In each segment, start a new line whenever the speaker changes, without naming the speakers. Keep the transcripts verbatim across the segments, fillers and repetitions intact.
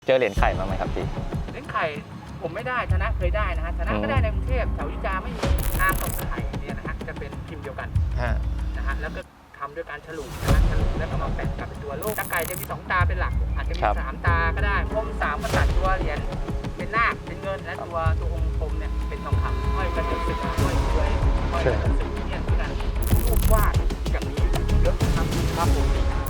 เจอเหรียญไข่มาไหมครับพี่
เหรียญไข่ผมไม่ได้ชนะเคยได้นะฮะชนะก็ได้ในกรุงเทพแถวอยุธยาไม่มีอาร์มกับไข่เนี่ยนะฮะจะเป็นพิมพ์เดียวกันนะฮะแล้วก็ทำด้วยการฉลุนะฮะฉลุแล้วก็มาแปะกับเป็นตัวโลกตาไก่จะมีสองตาเป็นหลักอาจจะมีสามตาก็ได้พรมสามกษัตริย์ตัวเหรียญเป็นนาคเป็นเงินและตัวตัวองค์พรมเนี่ยเป็นทองคำห้อยกระเถิบศึกห้อยรวยห้อยกระเถิบศึกเนี่ยคือการรูปวาดอย่างนี้เยอะครับครับผม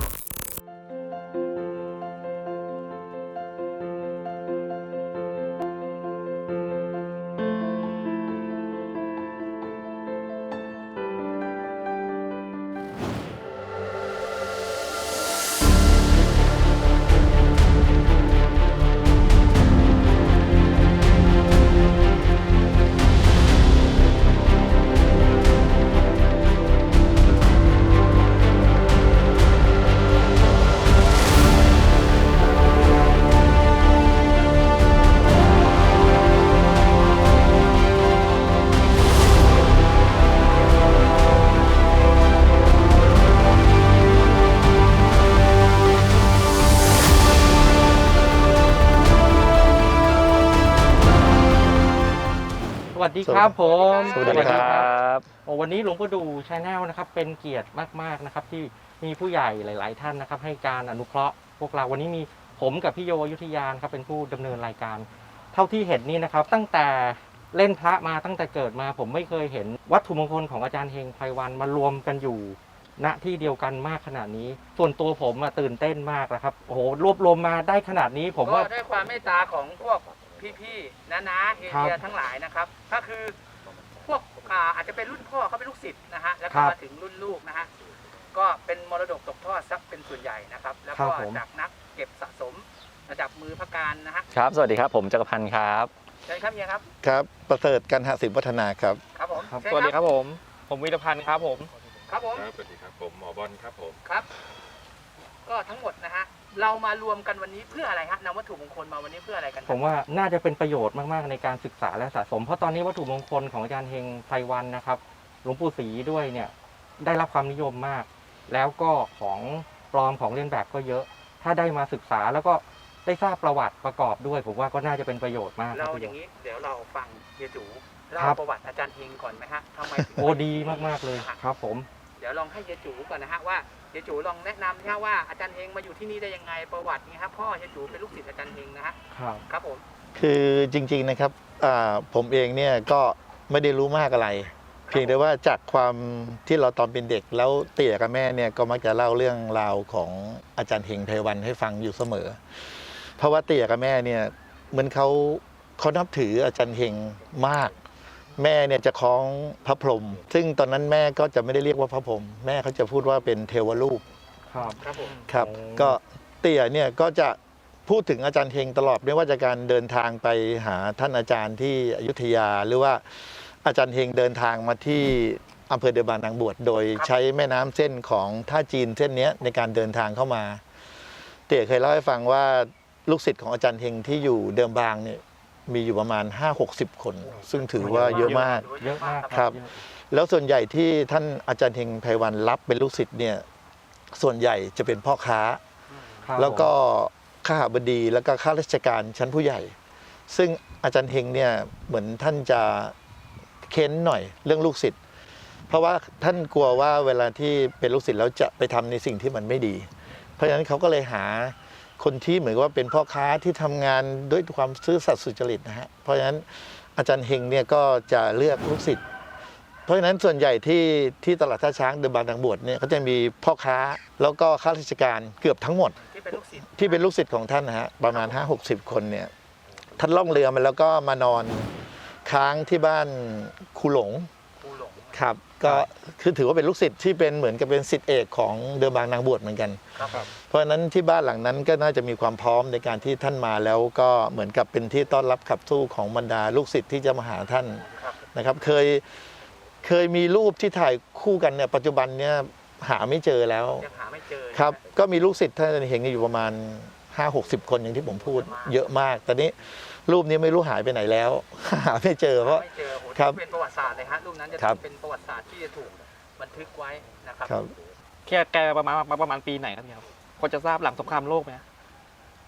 สวัสดีครับผม
สวัสดีครับ
วันนี้หลวงปู่ดูชาแนลนะครับเป็นเกียรติมากๆนะครับที่มีผู้ใหญ่หลายๆท่านนะครับให้การอนุเคราะห์พวกเราวันนี้มีผมกับพี่โยอยุธยาครับเป็นผู้ดำเนินรายการเท่าที่เห็นนี่นะครับตั้งแต่เล่นพระมาตั้งแต่เกิดมาผมไม่เคยเห็นวัตถุมงคลของอาจารย์เฮงไพวันมารวมกันอยู่ณที่เดียวกันมากขนาดนี้ส่วนตัวผมตื่นเต้นมากนะครับโอ้โหรวบรวมมาได้ขนาดนี้ผมว่า
ด้วยความเมตตาของพวกพี่ๆน้าๆเอเชียทั้งหลายนะครับก็คือพวกอาจจะเป็นรุ่นพ่อเขาเป็นลูกศิษย์นะฮะแล้วก็มาถึงรุ่นลูกนะฮะก็เป็นมรดกตกทอดซักเป็นส่วนใหญ่นะครับแล้วก็จากนักเก็บสะสมระดับมือพระการนะฮะ
ครับสวัสดีครับผมจักรพันธ์ครับ
เชิญครับเฮียครับ
ครับประเสริฐกันหสินวัฒนาครับ
ครับผม
สวัสดีครับผมผมวิรพันธ์ครับผม
ครับผม
สวัสดีครับผมหมอบอลครับผม
ครับก็ทั้งหมดนะฮะเรามารวมกันวันนี้เพื่ออะไรฮะนำวัตถุมงคลมาวันนี้เพื่ออะไรกัน
ผมว่าน่าจะเป็นประโยชน์มากๆในการศึกษาและสะสมเพราะตอนนี้วัตถุมงคลของอาจารย์เฮงไพวันนะครับหลวงปู่ศรีด้วยเนี่ยได้รับความนิยมมากแล้วก็ของปลอมของเลียนแบบก็เยอะถ้าได้มาศึกษาแล้วก็ได้ทราบประวัติประกอบด้วยผมว่าก็น่าจะเป็นประโยชน์มาก
เราอย่างนี้เดี๋ยวเราฟังเฮียจูเล่าประวัติอาจารย์เฮงก่อนไหมฮะทำไมถึง
โอ้ดีมากๆเลยครับผม
เดี๋ยวลองให้เฮียจูก่อนนะฮะว่าเฮียจูลองแนะนำนะว่าอาจารย์เฮงมาอยู่ที่นี่ได้ยังไงประวัตินี่ครับพ่อเฮียจูเป็นลูกศิษย์อาจารย์เฮงนะฮะ
ครับ
ครับผม
คือจริงๆนะครับผมเองเนี่ยก็ไม่ได้รู้มากอะไรเพียงแต่ว่าจากความที่เราตอนเป็นเด็กแล้วเตี่ยกับแม่เนี่ยก็มักจะเล่าเรื่องราวของอาจารย์เฮงไพวันให้ฟังอยู่เสมอเพราะว่าเตี่ยกับแม่เนี่ยเหมือนเขาเขานับถืออาจารย์เฮงมากแม่เนี่ยจะคล้องพระพรหมซึ่งตอนนั้นแม่ก็จะไม่ได้เรียกว่าพระพรหมแม่เขาจะพูดว่าเป็นเทวรูป
ครับครับผม
ครับก็เตี่ยเนี่ยก็จะพูดถึงอาจารย์เฮงตลอดไม่ว่าจะการเดินทางไปหาท่านอาจารย์ที่อยุธยาหรือว่าอาจารย์เฮงเดินทางมาที่อำเภอเดบานนางบวชโดยใช้แม่น้ำเส้นของท่าจีนเส้นนี้ในการเดินทางเข้ามาเตี่ยเคยเล่าให้ฟังว่าลูกศิษย์ของอาจารย์เฮงที่อยู่เดิมบางเนี่ยมีอยู่ประมาณ ห้าหกสิบ คนซึ่งถือว่าเยอะมาก
เยอะมาก
ครับแล้วส่วนใหญ่ที่ท่านอาจารย์เฮงไพวันรับเป็นลูกศิษย์เนี่ยส่วนใหญ่จะเป็นพ่อค้าแล้วก็ข้าบดีแล้วก็ข้าราชการชั้นผู้ใหญ่ซึ่งอาจารย์เฮงเนี่ยเหมือนท่านจะเค้นหน่อยเรื่องลูกศิษย์เพราะว่าท่านกลัวว่าเวลาที่เป็นลูกศิษย์แล้วจะไปทำในสิ่งที่มันไม่ดีเพราะฉะนั้นเขาก็เลยหาคนที่เหมือนว่าเป็นพ่อค้าที่ทำงานด้วยความซื่อสัตย์สุจริตนะฮะเพราะฉะนั้นอาจารย์เฮงเนี่ยก็จะเลือกลูกศิษย์เพราะฉะนั้นส่วนใหญ่ที่ที่ตลาดท่าช้างเดินบางนางบวชเนี่ยเขาจะมีพ่อค้าแล้วก็ข้าราชการเกือบทั้งหมด
ที่เป็นลูกศิษย์
ที่เป็นลูกศิษย์ของท่านนะฮะประมาณ ห้าหกสิบ คนเนี่ยท่านล่องเรือมาแล้วก็มานอนค้างที่บ้านครูหลง
ครูหลง
ครับก็คือถือว่าเป็นลูกศิษย์ที่เป็นเหมือนกับเป็นศิษย์เอกของเดิมบางนางบวชเหมือนกันเพราะฉะนั้นที่บ้านหลังนั้นก็น่าจะมีความพร้อมในการที่ท่านมาแล้วก็เหมือนกับเป็นที่ต้อนรับขับสู้ของบรรดาลูกศิษย์ที่จะมาหาท่านนะครับเคยเคยมีรูปที่ถ่ายคู่กันเนี่ยปัจจุบันเนี่ยหาไม่เจอแล้ว
ยังหาไม่เจอ
ครับก็มีลูกศิษย์ท่านเห็นอยู่ประมาณ ห้าหกสิบ คนอย่างที่ผมพูดเยอะมากตอนนี้รูปนี้ไม่รู้หายไปไหนแล้วหาไม่เจอเพราะ
ครับเป็นประวัติศาสตร์เลยฮะรูปนั้นจะเป็นประวัติศาสตร์ที่จะถูกบันทึกไว้นะครับ
แค่แกประมาณประมาณปีไหนครับเนี่ยครับพอจะทราบหลังสงครามโลกไหม
อ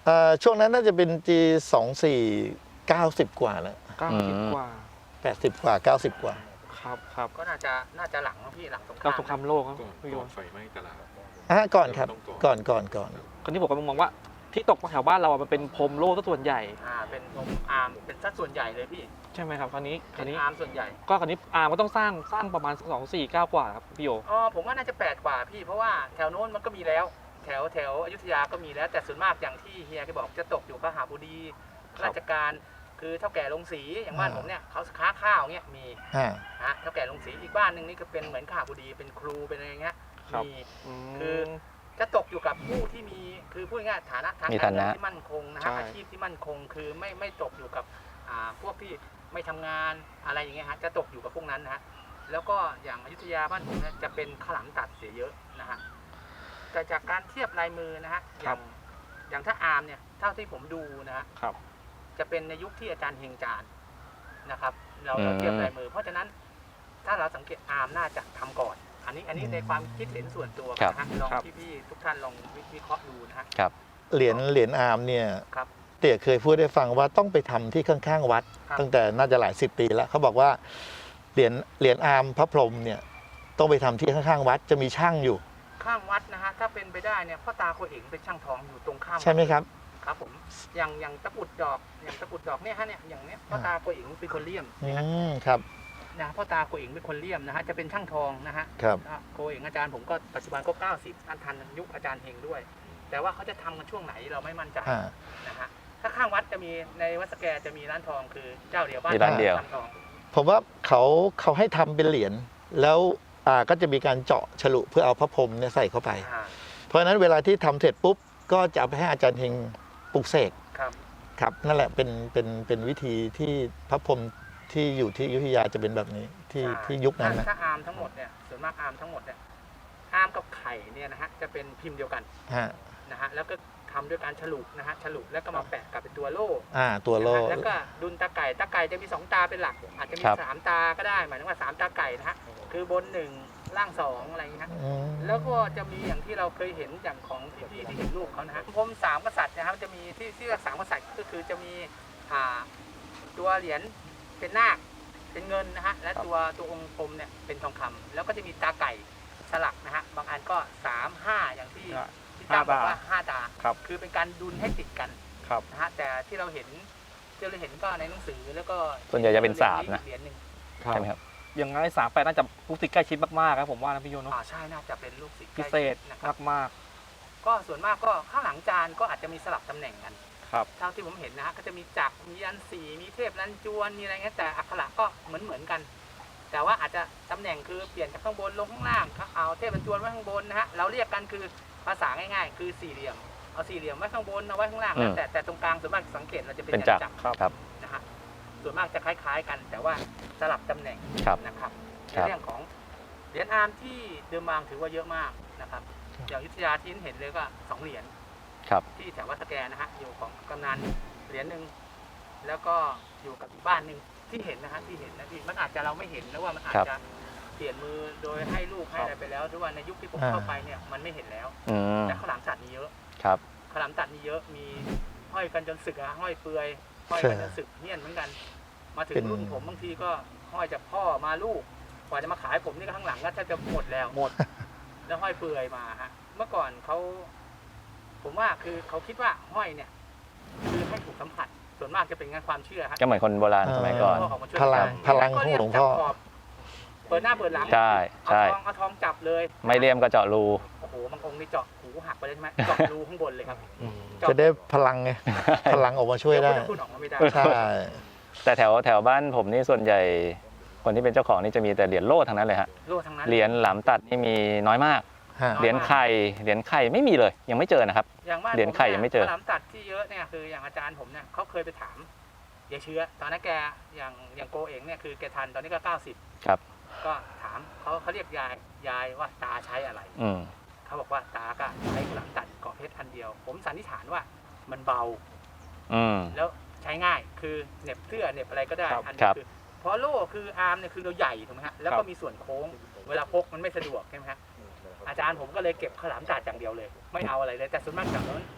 เอ่อช่วงนั้นน่าจะเป็น จี สองสี่ เก้าสิบกว่าแล้ว
เก้าสิบ
อืม
กว่า
แปดสิบกว่าเก้าสิบกว่า
ครับครับ
ก็น่าจะน่าจะหลังนะพี่หลังสงค
เรา
ราม
สงครามโลกครับ
ก่อน
พี่โย
ก่อนไฟไหม้ตลาด
อ่ะก่อนครับ
ต้องก่
ก่อ
อน น
ก่อนก่อน
คราวนี้ผมก็มองว่าที่ตกแถวบ้านเราอะมันเป็นพรมโลกซะส่วนใหญ่
อ่าเป็นผมอาร์มเป็นสัดส่วนใหญ่เลยพี่
ใช่ไหมครับคราวนี้ค
เป็
ราน วนี้
อาร์มส่วนใหญ่
ก็คราวนี้อาร์มก็ต้องสร้างสร้างประมาณสองสี่เก้ากว่าครับพี่โย
อ๋อผมว่าน่าจะแปดกว่าพี่เพราะว่าแถวโน้นมันก็มีแล้ว แถวแถวอยุธยาก็มีแล้วแต่ส่วนมากอย่างที่เฮียแกบอกจะตกอยู่พระหาบุรีราชการคือเท่าแก่ลงสีอย่างบ้านผมเนี่ยเขาค้าข้าวเงี้ยมี
อ่า
ฮะเท่าแก่ลงสีอีกบ้านหนึ่งนี่ก็เป็นเหมือนข้าบุรีเป็นครูเป็นอะไรเงี้ย
ครับ
มี
ม
คือ จะตกอยู่กับผู้ที่มีคือพูดง่ายๆฐานะทาง
มี
การ
ฐา
เงิ
นะ
นที่มั่นคงนะ
ใช่
ฮะอาชีพที่มั่นคงคือไม่ไม่ตกอยู่กับอ่าพวกที่ไม่ทำงานอะไรอย่างเงี้ยฮะจะตกอยู่กับพวกนั้นนะฮะแล้วก็อย่างอยุธยาบ้านผมเนี่ยจะเป็นข้าวหลามตัดเสียเยอะนะฮะแต่จากการเทียบลายมือนะฮะอย่างอย่างถ้าอาร์มเนี่ยเท่าที่ผมดูนะฮะ
ครับ
จะเป็นในยุคที่อาจารย์เฮงจานนะครับ เราเราเทียบลายมือ เพราะฉะนั้นถ้าเราสังเกตอาร์มน่าจะทำก่อน อันนี้อันนี้ในความคิดเห็นส่วนตัว
ครับ
นะฮะลอง
ครับ
พี่ๆทุกท่านลองวิเคราะห์ดูนะฮะ
ครับ
เหรียญเหรียญอาร์มเนี่ย
ครับ
เตี่ยเคยพูดให้ฟังว่าต้องไปทำที่ข้างๆวัด
ครับ
ตั้งแต่น่าจะหลายสิบปีแล้วเขาบอกว่าเหรียญเหรียญอาร์มพระพรหมเนี่ยต้องไปทำที่ข้างๆวัดจะมีช่างอยู่
ข้างวัดนะฮะถ้าเป็นไปได้เนี่ยพ่อตาโคเอ๋งเป็นช่างทองอยู่ตรงข้ามวัด
ใช่ไหมครับ
ครับผมอย่างอย่างตะกรุดดอกอย่างตะกรุดดอกเนี่ยฮะเนี่ยอย่างเนี้ยพ่อตาโคเอ๋งเป็นคนเลี่ยม
อื
นะฮะ
มครับ
นะพ่อตาโคเอ๋งเป็นคนเลี่ยมนะฮะจะเป็นช่างทองนะฮะ
ครับ
อ่ะโคเอ๋งอาจารย์ผมก็ปัจจุบันก็เก้าสิบอันทันยุคอาจารย์เฮงด้วย แต่ว่าเขาจะทำกันช่วงไหนเราไม่มั่นใจ
อ่า
นะฮะถ้าข้างวัดจะมีในวัดสแกจะมีร้านทองคือเจ้าเดียวบ้าน
มีร้านเดียว
ทำทอง
ผมว่าเขาเขาให้ทำเป็นเหรียญแล้วอ่าก็จะมีการเจาะฉลุเพื่อเอาพระพรหมเนี่ยใส่เข้าไป
อ่า
เพราะฉะนั้นเวลาที่ทำเสร็จปุ๊บก็จะเอาไปให้อาจารย์เฮงปลุกเสก
ครับ
ครับนั่นแหละเป็นเป็นเป็นวิธีที่พระพรหมที่อยู่ที่อยุธยาจะเป็นแบบนี้ที่
ใช่
ที่ยุคนั้นนะ
ถ้าอาร์มทั้งหมดเนี่ยส่วนมากอาร์มทั้งหมดเนี่ยอาร์มกับไข่เนี่ยนะฮะจะเป็นพิมพ์เดียวกัน
ฮะ
นะฮะแล้วก็ทำด้วยการฉลุนะฮะฉลุแล้วก็มาแปะกับเป็นตัวโล่
อ่าตัวโล่
นะฮะแล้วก็ดุลตาไก่ตาไก่จะมีสองตาเป็นหลัก อาจจะมี
ครับ
สามตาก็ได้หมายถึงว่าสามตาไก่นะฮะคือบนหนึ่งล่างสองอะไรอย่างเงี้ยฮะ
อืม
แล้วก็จะมีอย่างที่เราเคยเห็นอย่างของพี่ๆที่เห็นรูปเขานะฮะพรมสามกษัตริย์นะครับจะมีที่ที่เรียกสามกษัตริย์ก็คือจะมีอ่าตัวเหรียญเป็นนาคเป็นเงินนะฮะและตัวตัวองค์พรมเนี่ยเป็นทองคำแล้วก็จะมีตาไก่สลักนะฮะบางอันก็สามห้าอย่างที่ที่ตั้มบอกว่าห้าตา
ครับ
คือเป็นการดุลให้ติดกัน
ครับ
นะฮะแต่ที่เราเห็นที่เราเห็นก็ในหนังสือแล้วก็
ส่วนใหญ่จะเป็นสามนะ
เหรียญหนึ่ง
ใช่ไหมครับ
อย่างไรสามแปดน่าจะลูกศิษย์ใกล้ชิดมากๆครับผมว่านะพี่โยเนาะ
อ่าใช่น่าจะเป็นลูกศิษย์
พิเศษ
ใกล้ชิดนะครับ
มาก
ก็ส่วนมากก็ข้างหลังจานก็อาจจะมีสลับตำแหน่งกัน
ๆครับ
เท่าที่ผมเห็นนะฮะก็จะมีจักรมียันสีมีเทพลันจวนมีอะไรเงี้ยแต่อักขระก็เหมือนเหมือนกัน แต่ว่าอาจจะตำแหน่งคือเปลี่ยนจากข้างบนลงข้างล่างเอาเทพลันจวนไว้ข้างบนนะฮะเราเรียกกันคือภาษาง่ายๆ คือสี่เหลี่ยมเอาสี่เหลี่ยมไว้ข้างบนเอาไว้ข้างล่าง
อืม
แต่แต่ตรงกลางส่วนมากสังเกตเราจะเป็น
เป็น
ยัน
จักร
จักร
ครับ
นะฮะส่วนมากจะคล้าย ๆ กัน แต่ว่าสลับตำแหน่ง
ครับ
นะครับใน
ครับ
เรื่องของเหรียญอาร์มที่เดิมบางถือว่าเยอะมากนะครับอย่างอยุทธยาที่เห็นเลยก็สองเหรียญ
ครับ
ที่แถววัดสแกนะฮะอยู่ของกำนันเหรียญหนึ่งแล้วก็อยู่กับอีกบ้านหนึ่งที่เห็นนะฮะที่เห็นนะพี่มันอาจจะเราไม่เห็นแล้วว่ามันอาจ
ครับ
จะเปลี่ยนมือโดยให้ลูกให้อะไรไปแล้วหรือว่าในยุคที่ผม
อ่า
เข้าไปเนี่ยมันไม่เห็นแล้ว
อืม
แต่ข้าวหลามตัดมีเยอะ
ครับ
ข้าวหลามตัดมีเยอะมีห้อยกันจนสึกอะห้อยเปลือยห้อยกันจนสึกเหี้ยนเหมือนกัน มาถึงรุ่นผมบางทีก็ห้อยจากพ่อมาลูกกว่าจะมาขายผมนี่ก็ข้างหลังก็แทบจะหมดแล้ว
หมด
แล้วห้อยเปลือยมาฮะเมื่อก่อนเขาผมว่าคือเขาคิดว่าห้อยเนี่ยคือให้ถูกสัมผัสส่วนมากจะเป็นงานความเชื่อฮะ
ก็เหมือนคนโบราณสมัยก่อน
พ่อออกมาช่วย
พลัง
ได้
พลังของหลวงพ่อ
ก็เรียกจับขอบเปิดหน้าเปิดหลัง
ใช่
เอา
ใช่
ทองเอาทองจับเลย
ไม่เลี่ยมก็เจาะรู
โอ้โหบางองค์นี่เจาะหูหักไปเลยใช่ไหมเจาะรูข้างบนเลยครับ
จะได้พลังไงพลังออกมาช่วยได้
เดี๋พุทธคุณออกมาไม่ได้
ใช่
แต่แถวแถวบ้านผมนี่ส่วนใหญ่ คนที่เป็นเจ้าของนี่จะมีแต่เหรียญโล่ทั้งนั้นเลยฮะ
โล่ทั้งนั้น
เหรียญหลามตัดนี่มีน้อยมาก
ฮะ
เหรียญไข่เหรียญไข่ไม่มีเลย ยังไม่เจอนะครับ
อย่างบ้าน
เหรียญไข่ยังไม่เจอ
ข้าวหลามตัดที่เยอะเนี่ยคืออย่างอาจารย์ผมเนี่ยเขาเคยไปถามยายเชื้อตอนนั้นแกอย่างอย่างโกเองเนี่ยคือแกทันตอนนี้ก็เก้าสิบ
ครับ
ก็ถามเขาเขาเรียกยายยายว่าตาใช้อะไร
อืม
เขาบอกว่าตาก็ใช้ข้าวหลามตัดเกาะเพชรอันเดียว ผมสันนิษฐานว่ามันเบา
อืม
แล้วใช้ง่ายคือเหน็บเสื้อเหน็บอะไรก็ได้
ครับ
อัน
ครั
นี้
บ
คือเพราะโล่คืออาร์มเนี่ยคือเราใหญ่ถูกไหมฮะแล้ว
ครั
ก็
บ
มีส่วนโค้ง เวลาพกมันไม่สะดวกใช่ไหมฮะอาจารย์ผมก็เลยเก็บข้าวหลามตัดอย่างเดียวเลย ไม่เอาอะไรเลย แต่ส่วนมากจากนั้น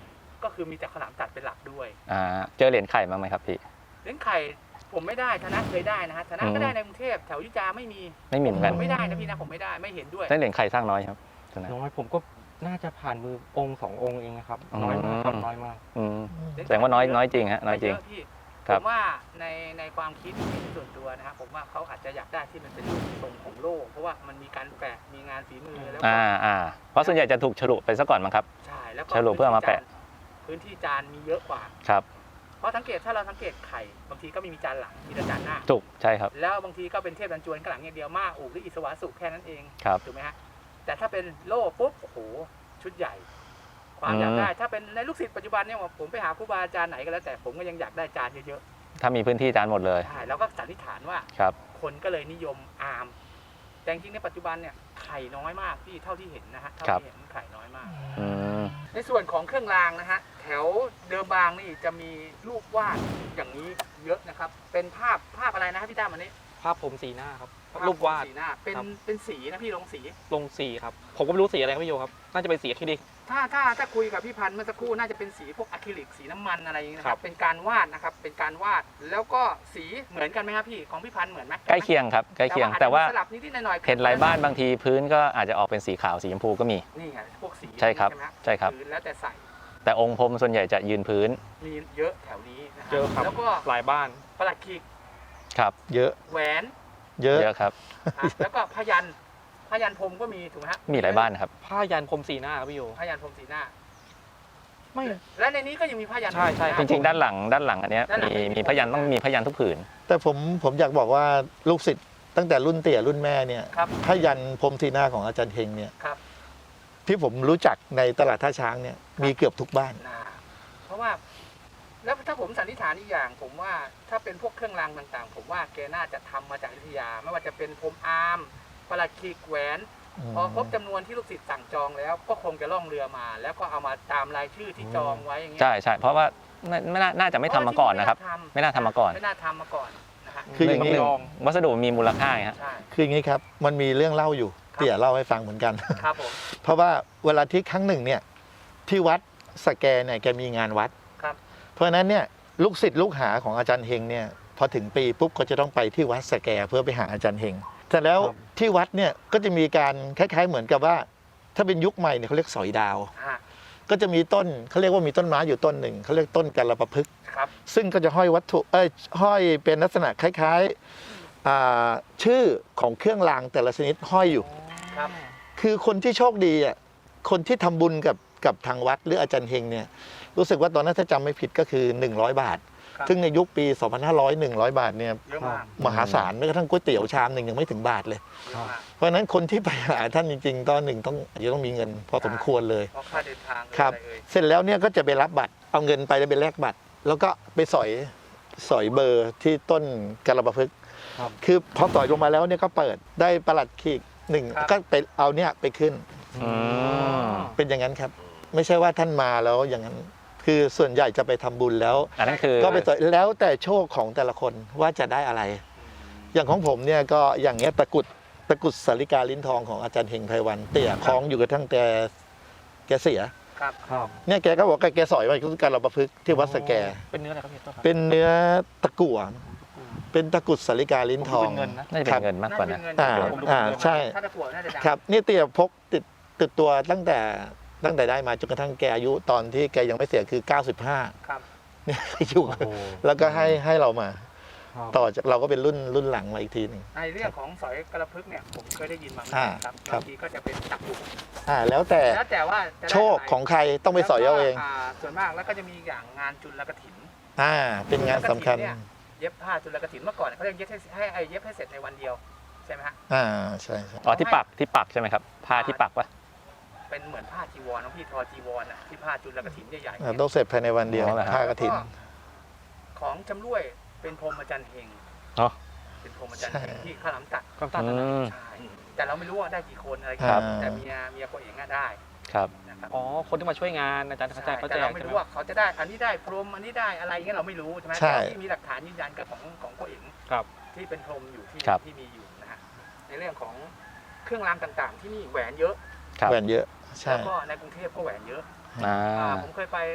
ก็คือมีแต่ขาวหลามตัดเป็นหลักด้วย
อ่าเจอเหรียญไข่บ้างไหมครับพี่
เหรียญไข่ผมไม่ได้ธนะเคยได้นะฮะธนะ
อืม
ก็ได้ในกรุงเทพแถวอยุธยาไม่มี
ไม่มีเหมือนกัน
ผมไม่ได้นะพี่นะผมไม่ได้ไม่เห็นด้วย
ได้เหรียญไข่สร้างน้อยครับตอนนั้น
น้อยผมก็น่าจะผ่านมือองค์สององค์เองนะครับ
อืม
น้อยมากครับน้อยมาก
อืมแสดงว่าน้อยน้อยจริงฮะน้อยจริง
เะพี่
ครั
ผ
บ
มว่าในในความคิดส่วนตัวนะครับผมว่าเขาอาจจะอยากได้ที่มันเป็นรูปทรงของโลกเพราะว่ามันมีการแปะมีงานฝีมือแล้วก็
อ่าอ่าเพราะส่วนใหญ่จะถูกฉลุไปซะก่อนมั้งครับ
ใช่แล้วก็
ฉลุเพื่อเอามาแปะ
พื้นที่จานมีเยอะกว่า
ครับ
เพราะสังเกตถ้าเราสังเกตไข่บางทีก็ไม่มีจานหลังมีแต่จานหน้า
ถูกใช่ครับ
แล้วบางทีก็เป็นเทพดันจวนข้างหลังอย่างเดียวมากอูกหรืออิสวาสุแค่นั้นเอง
ครับ
ถูกไหมฮะแต่ถ้าเป็นโล่ปุ๊บโอ้โหชุดใหญ่ ความ
อืม
อยากได้ถ้าเป็นในลูกศิษย์ปัจจุบันเนี่ยผมไปหาครูบาอาจารย์ไหนก็แล้วแต่ผมก็ยังอยากได้จานเยอะ
ถ้ามีพื้นที่จานหมดเลย
ๆใช่แล้วก็สันนิษฐานว่า
ครับ
คนก็เลยนิยมอาร์มแต่จริงๆในปัจจุบันเนี่ยไข่น้อยมากพี่เท่าที่เห็นนะฮะเท่าที่เห็นไข่น้อยมาก
อืม
ในส่วนของเครื่องรางนะฮะแถวเดิมบางนี่จะมีรูปวาดอย่างนี้เยอะนะครับ เป็นภาพภาพอะไรนะพี่ตั้มอันนี้
ภาพผมสีหน้าครับรูปวาด
สีหน้าเป็น
ครับ
เป็นสีนะพี่ลงสี
ลงสีครับ ผมก็ไม่รู้สีอะไรครับพี่โยครับ น่าจะเป็นสีอะคริลิก
ถ้าถ้าถ้าคุยกับพี่พันธ์เมื่อสักครู่น่าจะเป็นสีพวกอะคริลิกสีน้ำมันอะไรอย่างนี้นะค
ครั
รับบ เป็นการวาดนะครับเป็นการวาดแล้วก็สีเหมือนกันไหมครับพี่ของพี่พันธ์เหมือนไหม
ใกล้เคียงครับใกล้เคียงแต่ว่า
สลับนิดๆหน่อยๆ
เห็นหลายบ้านบางทีพื้นก็อาจจะออกเป็นสีขาวสีชมพูก็มี
นี่ไงพวกสี
ใช่ครับ
ไหม
ใช่ครับ
พื้นแล้วแต่ใส่
แต่องค์พรมส่วนใหญ่จะยืนพื้น
มีเยอะแถวนี้นะ
เยอะครับ
แล้วก็
หลายบ้าน
ประหลัดขีก
ครับ
เยอะ
แหวน
เยอะ
เยอะครับ
อ่ะแล้วก็พยัญชนะพยัญชนะพรมก็มีถูกไหมฮะ
มีหลายบ้านนะครับ
ผ้ายันพรมสีหน้าครับพี่โย
พยัญชนะพรมสีหน้า
ไม่
และในนี้ก็ยังมีพยัญชนะ
ใช่ใช่
จริงๆด้านหลังด้านหลังอันเนี้ย
ด้านหลัง
มีมีพยัญต้องมีพยัญทุกผืน
แต่ผมผมอยากบอกว่าลูกศิษย์ตั้งแต่รุ่นเตี่ยรุ่นแม่เนี่ย
ครับ
พยันพรหมสีหน้าของอาจารย์เฮงเนี่ย
ครับ
ที่ผมรู้จักในตลาดท่าช้างเนี่ยมีเกือบทุกบ้าน
นะเพราะว่า แล้วถ้าผมสันนิษฐานอีกอย่าง ผมว่าถ้าเป็นพวกเครื่องรางต่างๆ ผมว่าแกน่าจะทำมาจากอยุธยา ไม่ว่าจะเป็นพรมอาร์มประหลัดขีกแหวน พอครบจำนวนที่ลูกศิษย์สั่งจองแล้ว ก็คงจะล่องเรือมา แล้วก็เอามาตามรายชื่อที่จองไว้อย่างเงี้ย
ใช่ใช่เพราะว่าไม่ไม่น่าน่าจะไม่ทำมาก่อนนะครับ ไม่น่าทำมาก่อน
ไม่น่าทำมาก่อนนะฮะ
คืออย่างนี้
หนึ่วัสดุมีมูลค่าไงฮะ
ใช่
คืออย่างนี้ครับ มันมีเรื่องเล่าอยู่
ครับ
เตี่ยเล่าให้ฟังเหมือนกัน
ครับผม
เพราะว่าเวลาที่ครั้งหนึ่งเนี่ยที่วัดสแกเนี่ยแกมีงานวัด
ครับ
เพราะฉะนั้นเนี่ยลูกศิษย์ลูกหาของอาจารย์เฮงเนี่ยพอถึงปีปุ๊บก็จะต้องไปที่วัดสแกเพื่อไปหาอาจารย์เฮงแต่แล้วที่วัดเนี่ยก็จะมีการคล้ายๆเหมือนกับว่า ถ้าเป็นยุคใหม่เนี่ยเขาเรียกสอยดาว
อ่า
ก็จะมีต้นเขาเรียกว่ามีต้นไม้อยู่ต้นหนึ่งเขาเรียกต้นกัลปะพฤกษ์
ครับ
ซึ่งก็จะห้อยวัตถุเอ้ยห้อยเป็นลักษณะคล้ายๆอ่าชื่อของเครื่องรางแต่ละชนิดห้อยอยู่
ครับ
คือคนที่โชคดีอ่ะคนที่ทำบุญกับกับทางวัดหรืออาจารย์เฮงเนี่ยรู้สึกว่าตอนนั้นถ้าจำไม่ผิดก็คือหนึ่งร้อยบาท
ครับ
ซึ่งในยุคปี สองพันห้าร้อย หนึ่งร้อย บาทเนี่ย
เยอะมาก
มหาศาลแม้กระทั่งก๋วยเตี๋ยวชามหนึ่งยังไม่ถึงบาทเลย
เยอะมาก
เพราะฉะนั้นคนที่ไปหาท่านจริงๆ ตอนหนึ่งต้องอาจจะต้องมีเงินพอสมควรเลย
เพราะค่าเดินทางเลย
ครับ
อะไรเอ่ย
เสร็จแล้วเนี่ยก็จะไปรับบัตรเอาเงินไปแล้วไปแลกบัตร แล้วก็ไปสอยสอยเบอร์ที่ต้นกัลปะพฤกษ์
ครับ
คือพอสอยลงมาแล้วเนี่ยก็เปิดได้ประหลัดขีกหนึ่งก็ไปเอาเนี่ยไปขึ้น
อืม
เป็นอย่างนั้นครับ ไม่ใช่ว่าท่านมาแล้วอย่างนั้น คือส่วนใหญ่จะไปทำบุญแล้ว
อันนั้นคือ
ก็ไปสอยแล้วแต่โชคของแต่ละคนว่าจะได้อะไร อย่างของผมเนี่ยก็อย่างเงี้ยตะกรุดตะกรุดสาริกาลิ้นทองของอาจารย์เฮงไพวันเตี่ยคล้องอยู่กับทั้งแต่แกเสีย
ครับ
ครับ
เนี่ยแกก็บอกแกสอยไว้คือการเราประพฤกษ์ที่วัดสแก
เป็นเนื้ออะไรครับพี่โทษครับ
เป็นเนื้อตะกั่วเป็นตะกรุดสาริกาลิ้นทอง
เป็นเงินนะ
น่าจะเป็นเงินมากกว่านะ
อ่า
ผมดู
อ่า
เป็นเงิน
ใช่
ถ้าตะกั่วน่าจะดัง
ครับนี่เตี่ยพกติดติดตัวตั้งแต่ตั้งแต่ได้มาจนกระทั่งแกอายุตอนที่แกยังไม่เสียคือเก้าสิบห้า
ครับ
เนี่ยอยู่
โอ้โห
แล้วก็ให้ให้เรามา
ครับ
ต่อจากเราก็เป็นรุ่นรุ่นหลังมาอีกทีหนึง
ในเรื่องของสอยกระพึกเนี่ยผมเคยได้ยินมาเหมือน
อ่า
กันครับ
ครับ
บางทีก็จะเป็นตะกั่ว
อ่าแล้วแต่
แล้วแต่ว่าจะได้
โชคของใครต้องไปสอยเอาเอง
แล้วก็าส่วนมากแล้วก็จะมีอย่างงานจุลกฐิน
อ่าเป็นงานสำคัญ
เนี่ยเย็บผ้าจุลกฐินเมื่อก่อนเขาเรียกเย็บให้ให้ไอ้เย็บให้เสร็จในวันเดียวใช่ไหมฮะ
อ่าใช่ใช่
อ๋อที่ปักที่ปักใช่ไหมครับผ้าที่ปักปะ
เป็นเหมือนผ้าจีวรน้องพี่ทอจีวรอ่ะที่ผ้าจุลกฐินใหญ่ๆ
อ่า
เนี่ย
ต้องเสร็จภายในวันเดียว
อ๋อเหรอฮะ
ผ้ากฐิน
ของจำรวยเป็นพรหมจันทร์เฮง
อ๋อ
เป็นพรหมจันทร์เฮงที่ข้าวหลามตัด
ความตัด
อื
นะ
ม
ใช่แต่เราไม่รู้ว่าได้กี่คนอะไร
ครับ
แต่เมียเมียตัวเองอะได้
ครับ
นะครับ
อ๋อ คนที่มาช่วยงานอาจารย์เขาแจ
ใช่
กเขา
แต่
แจ
เรา
ก
ไม่
ใช่ไหม
รู้ว่าเขาจะได้อันนี้ได้พรหมอันนี้ได้อะไรเงี้ยเราไม่รู้ใช่ไหม
ใช่
แต่ที่มีหลักฐานยืนยันกับของของตัวเอง
ครับ
ที่เป็นพรหมอยู่ที่
ครับ
ที่มีอยู่นะฮะในเรื่องของเครื่องรางต่างๆ ที่นี่แหวนเยอะ
ครับ
แหวนเยอะใช่
แล้วก็ในกรุงเทพก็แหวนเยอะ
อ่า
อ่าผมเคยไป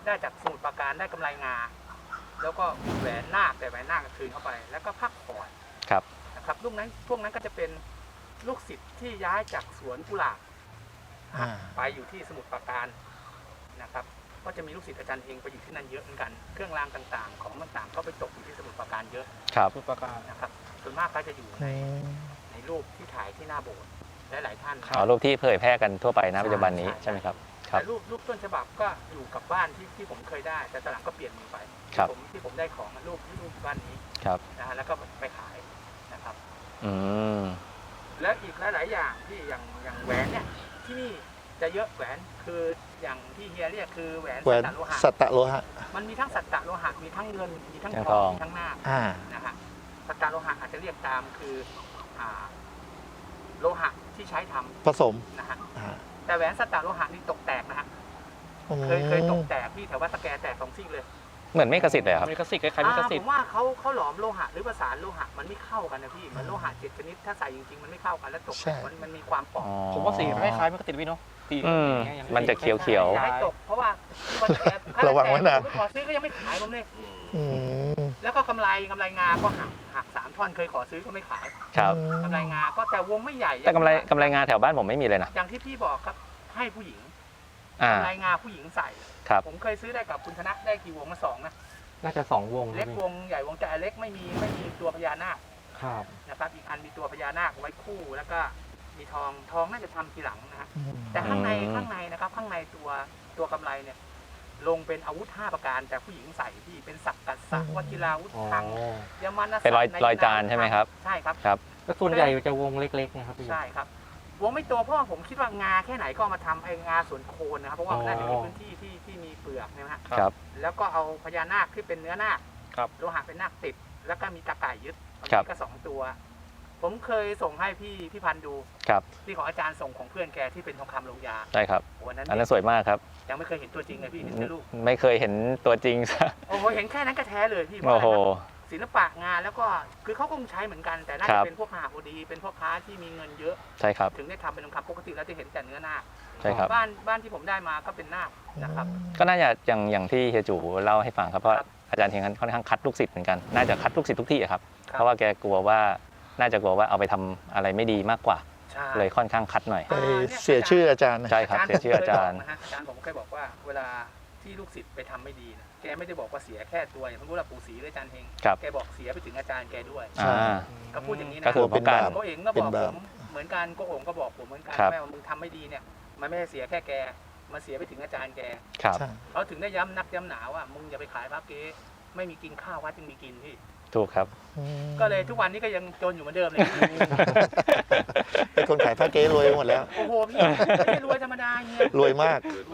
ได้จากสมุทรปราการได้กำไรงา แล้วก็แหวนนาคแต่แหวนนาคก็คืนเข้าไป แล้วก็พักผ่อน
ครับ
นะครับลูกนั้นพวกนั้นก็จะเป็นลูกศิษย์ที่ย้ายจากสวนกุหลาบ
อ่า
ไปอยู่ที่สมุทรปราการนะครับก็จะมีลูกศิษย์อาจารย์เฮงไปอยู่ที่นั่นเยอะเหมือนกันเครื่องรางต่างๆ ของต่างๆก็ไปตกอยู่ที่สมุทรปราการเยอะ
ครับ
สุดประการ
นะครับส่วนมากก็จะอยู่ในในรูปที่ถ่ายที่หน้าโบสถ์หลายๆท่าน
อ๋อรูปที่เผยแพร่กันทั่วไปนะปัจจุบันนี้
ใช่
ใช่ไหมครับ ครับ
แต่รูปรูปต้นฉบับก็อยู่กับบ้านที่ที่ผมเคยได้ แต่ตอนหลังก็เปลี่ยนมือไป
ครับ
ผมที่ผมได้ของรูปรูปบ้านนี้
ครับ
นะฮะแล้วก็ไปขายนะครับ
อืม
และอีกหลาย ๆ อย่างที่อย่างอย่างแหวนเนี่ยที่นี่จะเยอะแหวนคืออย่างที่เฮียเรียกคือแหวน
แหวน
สัตตโลหะ
สัตตโลหะ
มันมีทั้งสัตตโลหะมีทั้งเงินมีทั้ง
ทั้ง
ท
ท
อ
อง ง
มีทั้งนาค
อ่า
นะฮะสัตตโลหะอาจจะเรียกตามคืออ่าโลหะที่ใช้ทำ
ผสม
นะฮะ
อ่า
แต่แหวนสัตตโลหะนี่ตกแตกนะฮะ
อืม
เคยเคยตกแตกที่แถววัดตะแกแตกสองซี่เลย
เหมือนเมฆสิทธิ์เลยครับ
มีกสิทธิ์คล้ายๆมีก
อ่า
สิ
ผ
ทธิ์
มว่าเขาเขาหลอมโลหะหรือประสานโลหะมันไม่เข้ากันนะพี่เหมือนโลหะเจ็ดชนิดถ้าใส่จริงๆมันไม่เข้ากันแล้วตกแตกมันมันมีความเปราะ
ผมว่าสีคล้ายๆมีกสิทธิ์พี่เนาะสี
อืม
อย่างเงี้ย
มันจะเขียวเขียว
อย่าให้ตกเพราะว่าคนแอบ
ระวังไว้นะ
ผมขอซื้อก็ยังไม่ขายผมเลย
อืม
แล้วก็กำไรกำไรงาก็หักหักสามท่อนเคยขอซื้อก็ไม่ขาย
ครับ
กำไรงาก็แต่วงไม่ใหญ่
แต่กำไรกำไรงานแถวบ้านผมไม่มีเลยนะ
อย่างที่พี่บอกครับให้ผู้หญิง
อ่าก
ำไรงาผู้หญิงใส่
ครับ
ผมเคยซื้อได้กับคุณธนะได้กี่วงมาสองนะ
น่าจะสองวง
เล็ก
นะ
วงใหญ่วงแต่เล็กไม่มีไม่มีตัวพญานาค
ครับ
นะครับอีกอันมีตัวพญานาคไว้คู่แล้วก็มีทองทองน่าจะทำทีหลังนะฮะแต่ข้างใน
อืม
ข้างในนะครับข้างในตัวตัวกำไรเนี่ยลงเป็นอาวุธห้าประการแต่ผู้หญิงใส่ที่เป็นสักกัสสะวัชิราวุธ
อ๋อ
ทางยมานะ
เป็นรอย
ใน
รอยจานใช่ไหมครับ
ใช่ครับ
ครับ
แล้วส่วนใหญ่จะวงเล็กๆนะครับพี่
ใช่ครับวงไม่โตเพราะว่าผมคิดว่างาแค่ไหนก็เอามาทำไอ้งาส่วนโคนนะครับเพราะว่ามันน่าจะมีพื้นที่ที่ที่มีเปลือกนะฮะ
ครับ
แล้วก็เอาพญานาคที่เป็นเนื้อนาค
ครับ
โลหะเป็นนาคติด แล้วก็มีตะก่ายยึดอัน
ครับ
นี้ก็สองตัว ผมเคยส่งให้พี่พี่พันธุ์ดู
ครับ
ที่ของอาจารย์ส่งของเพื่อนแกที่เป็นทองคำลงยา
ใช่ครับ
วันนั้น
อันนั้นสวยมากครับ
ยังไม่เคยเห็นตัวจริงเลยพี่เห็นแต่รูป
ไม่เคยเห็นตัวจริง
โอ้โหเห็นแค่นั้นก็แท้เลยพี่
โอ้โห
ศิลปะงานแล้วก็คือเขาคงใช้เหมือนกันแต่น่า
ครั
จะ
บ
เป็นพวกมหาโพดีเป็นพวกค้าที่มีเงินเยอะ
ใช่ครับ
ถึงได้ทำเป็นทองคำปกติแล้วจะเห็นแต่เนื้อนาค
ใช่ครับ
บ้านบ้านที่ผมได้มาก็เป็นนาคนะครับ
ก็น่าจะอย่างอย่างที่เฮียจูเล่าให้ฟังครับเพราะ
ครับ
อาจารย์เฮงค่อนข้างคัดลูกศิษย์เหมือนกันน่าจะคัดลูกศิษย์ทุกที่อะครับ
ครับ
เพราะว่าแกกลัวว่าน่าจะกลัวว่าเอาไปทำอะไรไม่ดีมากกว่า
ใช่
เลยค่อนข้างคัดหน่อย
ไปเสียชื่ออาจารย์นะ
ใช่ครับเสียชื่ออาจารย์
ผมเคบกนะฮะอาจารย์ผมเคยบอกว่าเวลาที่ลูกศิษย์ไปทำไม่ดีนะแกไม่ได้บอกว่าเสียแค่ตัวอย่างสมมติว่าปู่ศรีหรืออาจารย์เฮง
ครับ
แกบอกเสียไปถึงอาจารย์แกด้วย
ใช่
อ่า
ก็พูดอย่างนี้นะ
ก็คือป้องกัน
โกเอ๋งก็บอก
เป็น
ผ
บาป
มเหมือนกันโกโอ๋งก็บอกผมเหมือนกัน
ครับ
แม่ว่ามึงทำไม่ดีเนี่ยมันไม่ได้เสียแค่แกมันเสียไปถึงอาจารย์แก
ครับ
ใช่
เขาถึงได้ย้ำนักย้ำหนาว่ามึงอย่าไปขายพระเก๊ไม่มีกินข้าววัดยังมีกินพี่
ถูกครับ
อืม
ก็เลยทุกวันนี้ก็ยังจนอยู่เหมือนเดิมเลย
เป็นคนขายผ้าเก๊รวยไปหมดแล้ว
โอ้โหพี่ไม่ได้รวยธรรมดาเงี้ย
รวยมาก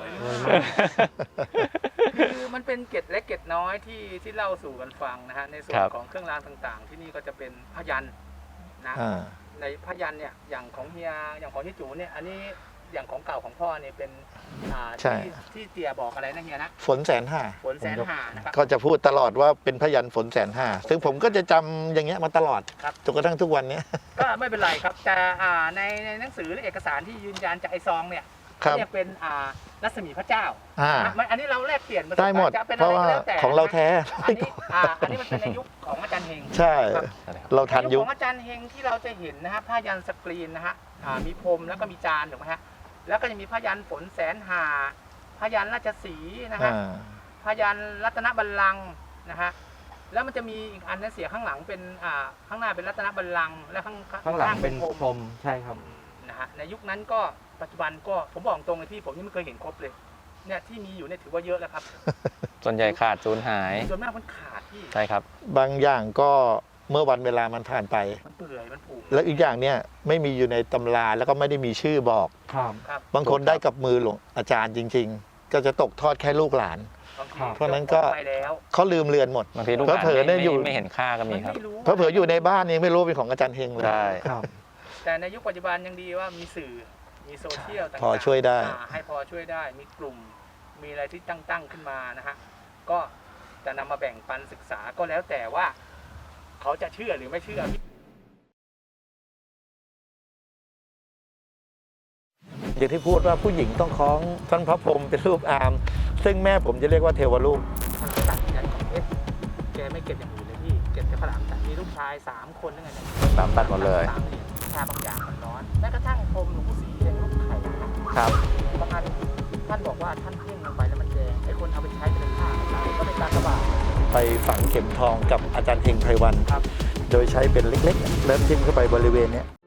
คือมันเป็นเกร็ดเล็กเกร็ดน้อยที่ที่เล่าสู่กันฟังนะฮะในส่ว
คน รับ
ของเครื่องรางต่างๆ ที่นี่ก็จะเป็นพยัญชนะ
อ่า
ในพยัญชนะเนี่ยอย่างของเฮียอย่างของที่จูเนี่ยอันนี้อย่างของเก่าของพ่อเนี่ยเป็นอ่า
ใช่
ที่ที่เตียบอกอะไรนะเฮียนะ
ฝนแสนห้า
ฝนแสนหานะครับ
ก็จะพูดตลอดว่าเป็นพยันฝนแสนห้าซึ่งผมก็จะจำอย่างเงี้ยมาตลอด
ครับ
จนกระทั่งทุกวันเนี้ย
ก็ไม่เป็นไรครับแต่อ่าในในหนังสือหรือเอกสารที่ยืนยันจากไอซองเนี่ย
ครับ
เรียกเป็นอ่ารัศมีพระเจ้า
อ่า
นะมันอันนี้เราแลกเปลี่ยนประสบ
ได้หมด
การณ์จะเป็น
เพ
อะ
ราะ
ไร
ว่า
ก็แล้วแต่
ของเราแท้
อันนี้อ่าอันนี้มันเป็นในยุคของอาจารย์เฮง
ใช่
ครับ
เราทัน
ใน
ยุ
ข
ค
องอาจารย์เฮงที่เราจะเห็นนะฮะผ้ายันสกรีนนะฮะอ่ามีพรมแล้วก็มีจานถูกไหมฮะแล้วก็จะมีผ้ายันฝนแสนหาผ้ายันราชสีห์นะฮะ
อ่า
ผ้ายันรัตนบัลลังก์นะฮะแล้วมันจะมีอีกอันนะเสียข้างหลังเป็นอ่าข้างหน้าเป็นรัตนบัลลังก์และข้าง
ข้างหลังเป็น
พรม
พรมใช่ครับ
นะฮะในยุคนั้นก็ปัจจุบันก็ผมบอกตรงเลยพี่ผมยังไม่เคยเห็นครบเลยเนี่ยที่มีอยู่เนี่ยถือว่าเยอะแล้วครับ
ส่วนใหญ่ขาดสูญหาย
ส่วนมากมันขาดพี่
ใช่ครับ
บางอย่างก็เมื่อวันเวลามันผ่านไป
มันเปื่อยมันผุ
แล้วอีกอย่างเนี่ยไม่มีอยู่ในตำราแล้วก็ไม่ได้มีชื่อบอก
ครับ
ครับ
บางคนได้กับมือหลวงอาจารย์จริง ๆ ก็จะตกทอดแค่ลูกหลาน
บางที
เพราะฉะนั้นก็
ไปแล้ว
เขาลืมเลือนหมด
บางทีลูกหลาน
เผลอๆเนี่ย
ไม่
อยู่
ไม่เห็นค่าก็มี
มัน
ครับ
ไม่รู้
เพราะเผลออยู่ในบ้านยังไม่รู้เป็นของอาจารย์เฮงเลย
ใช่
ครับ
แต่ในยุคปัจจุบันยังดีว่ามีสื่อมีโซเชียลต่างๆ
พอช่วยได้
อ่าให้พอช่วยได้มีกลุ่มมีอะไรที่ตั้งตั้งขึ้นมานะฮะก็จะนำมาแบ่งปันศึกษาก็แล้วแต่ว่า เขาจะเชื่อหรือไม่เชื่อ
อย่างที่พูดว่าผู้หญิงต้องคล้องท่านพระพรหมเป็นรูปอามซึ่งแม่ผมจะเรียกว่าเทวรูป
มันตัดยันของเพชรแกไม่เก็บอย่างอื่นเลยพี่เก็บแต่ข้าวหลามตัดมีลูกชายสามคนนึงไงเนี่ย
ตามตัดหมดเลย
สามเหรียญชาบางอย่างมันร้อนแม้กระทั่งพรมหลวงปู่ศรีเองลูกไข่นะครับ บางอันท่านบอกว่าท่านเพ่งลงไปแล้วมันแดงไอ้คนเอาไปใช้เป็นผ้าขายก็เป็นการกระบาด
ไปฝังเข็มทองกับอาจารย์เฮงไพรวัน
ครับ
โดยใช้เป็นเล็กๆ เริ่มทิ่มเข้าไปบริเวณเนี้ย